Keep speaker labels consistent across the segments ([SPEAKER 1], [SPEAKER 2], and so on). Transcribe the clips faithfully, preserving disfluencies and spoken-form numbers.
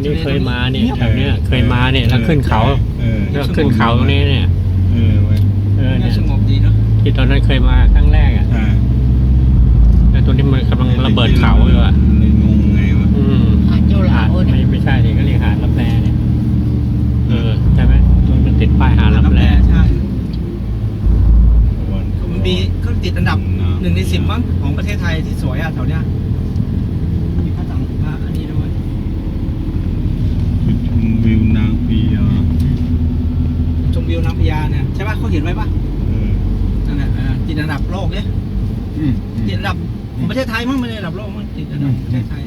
[SPEAKER 1] นี้เคยมาเนี่ยแถวเนี้ยเคยมาเนี่ยแล้วขึ้นเขาแล้วขึ้นเขาตรงนี้เนี่ย
[SPEAKER 2] เออเว้ย
[SPEAKER 1] เออเนี่ย
[SPEAKER 3] สงบดีเนาะ
[SPEAKER 1] ที่ตอนนั้นเคยมาครั้งแรกอ่ะแต่ตัวนี้มันกำลังระเบิดเขาอยู่อ่ะ
[SPEAKER 2] เลยงงไงวะ
[SPEAKER 1] อืม
[SPEAKER 4] หาดเจ้าหลา
[SPEAKER 1] ไม่ไม่ใช่ดิก็เรียกหาดลับแลเนี่ยเออใช่ไหมมันติดป้ายหาดลับแล
[SPEAKER 3] ใช่มันมีเขาติดอันดับหนึ่งในสิบมั้งของประเทศไทยที่สวยอ่ะแถวเนี้ยมีพระต่างพระอันนี้ด้วย
[SPEAKER 2] ชมวิวนางพญา
[SPEAKER 3] ชมวิวนางพญาเนี่ยใช่ป่ะเขาเขียนไว้ป่ะนั่นแหละติดอันดับโลกเนี่ยติดอันดับของประเทศไทยมั้งไม่ได้อันดับโลกมั้งติดอันดับประเทศไทย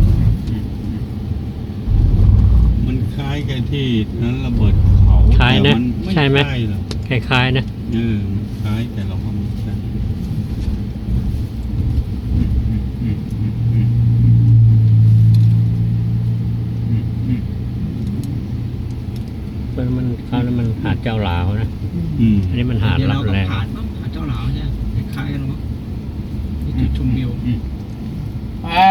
[SPEAKER 2] มันคล้ายกับที่นั้นระเบิดเขา
[SPEAKER 1] คล้ายนะใช่ไหมคล้ายๆนะ
[SPEAKER 2] เออคล้ายแต่เราก็ไม่ใช่
[SPEAKER 1] มันคราวนั้นมันหาดเจ้าหลาวนะอันนี้มันหาดลับแล
[SPEAKER 3] หาดหาดเจ้าหลาวใช่คล้ายกันมั้งนี่จุดชมวิว
[SPEAKER 4] อ่า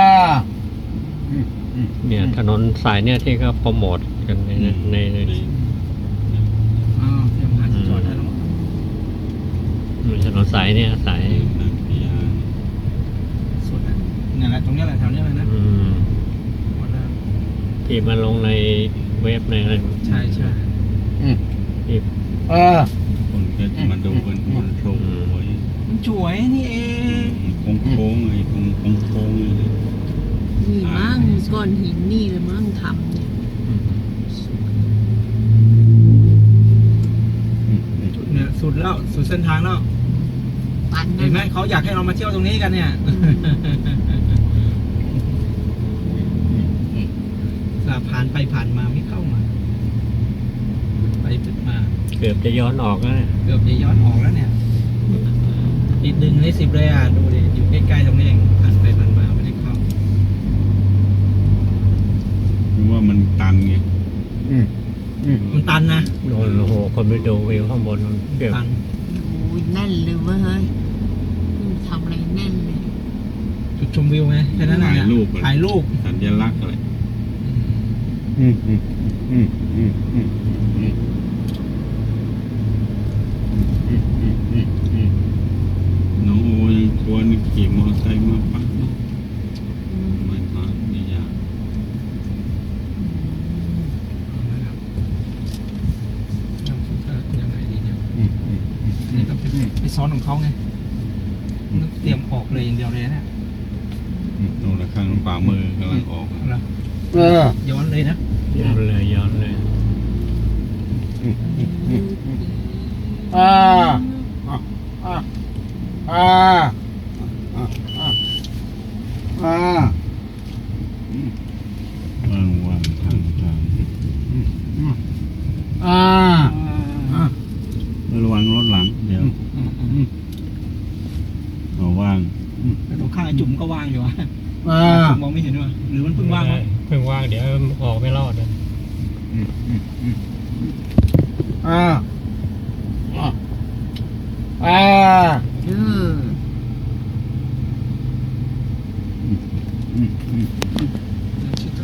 [SPEAKER 1] เนี่ยถนนสายเนี่ยที่เขาโปรโมทกันในในใน
[SPEAKER 3] อ๋อเตรียมหาดจอดได้แล้ว
[SPEAKER 1] ถนนสายเนี่ยสาย
[SPEAKER 3] สุดเนี่ยแหละตรงนี้แหละแถวนี้เลยนะ
[SPEAKER 1] ที่มาลงในเว็บในอะไร
[SPEAKER 3] ใช่ใช่
[SPEAKER 1] ที่
[SPEAKER 4] เออ
[SPEAKER 2] คนก็จะมาดูกันมันโชว์ไว้
[SPEAKER 3] มันสวยนี่เอง
[SPEAKER 2] โค้งโค้งไอ้ตรงโค้งโค้งเลย
[SPEAKER 4] นี่มั่งก้อนหินนี่เลยมั่งทำเนี่ย
[SPEAKER 3] เนี่ยสุดแล้วสุดเส้นทางแล้วเห็นไหมเขาอยากให้เรามาเที่ยวตรงนี้กันเนี่ยผ่านไปผ่านมาไม่เข้ามาไปจุดมา
[SPEAKER 1] เกือบจะย้อนออกแล้ว
[SPEAKER 3] เกือบจะย้อนออกแล้วเนี่ยอีกหนึ่งในสิบเลยอ่ะดูดิอยู่ใกล้ๆตรงนี้เองผ่านไปผ่านมาไม่ได้เข้า
[SPEAKER 2] เพราะว่ามันตันไง
[SPEAKER 3] มันตันนะ
[SPEAKER 1] โอ้โหคนไปดูวิวข้างบนมันเกือบ
[SPEAKER 4] โอ้ยแน่นเลยเว้ยเฮ้ยทำอะไรแน่นเลย
[SPEAKER 3] จุดชมวิวไงแค่นั้นแหละ
[SPEAKER 2] ถ่ายรูป
[SPEAKER 3] ถ่ายรูป
[SPEAKER 2] สัญลักษณ์อะไรน้องโอยังชวนขี่มอเตอร์ไซค์มาปักเนาะไม่มาไม่ยาก
[SPEAKER 3] ยังไงดีเนี่ยนี่ก็ไปซ้อนของเขาไงเตรียมออกเลยอย่างเดียวเลยเนี่ย
[SPEAKER 2] โน่นละข้างป่ามือกำลังออก
[SPEAKER 3] แล้วย้อนเลยนะ
[SPEAKER 1] ย้อนเลยย้อนเลย
[SPEAKER 4] อ่าอ่าอ่าอ่าอ่า
[SPEAKER 2] ว่างว่างทางทาง
[SPEAKER 4] อ่า
[SPEAKER 2] ระวังรถหลังเดี๋ยวเอาว่าง
[SPEAKER 3] แต่ตรงข้างไอ้จุ่มก็ว่างอยู่อ่ะมองไม่เห็นว่ะหรือมันเพิ่งว่างวะ
[SPEAKER 1] เพิ่งว่างเดี๋ยวออกไม่รอดเลย
[SPEAKER 4] อ่าอ่าอืม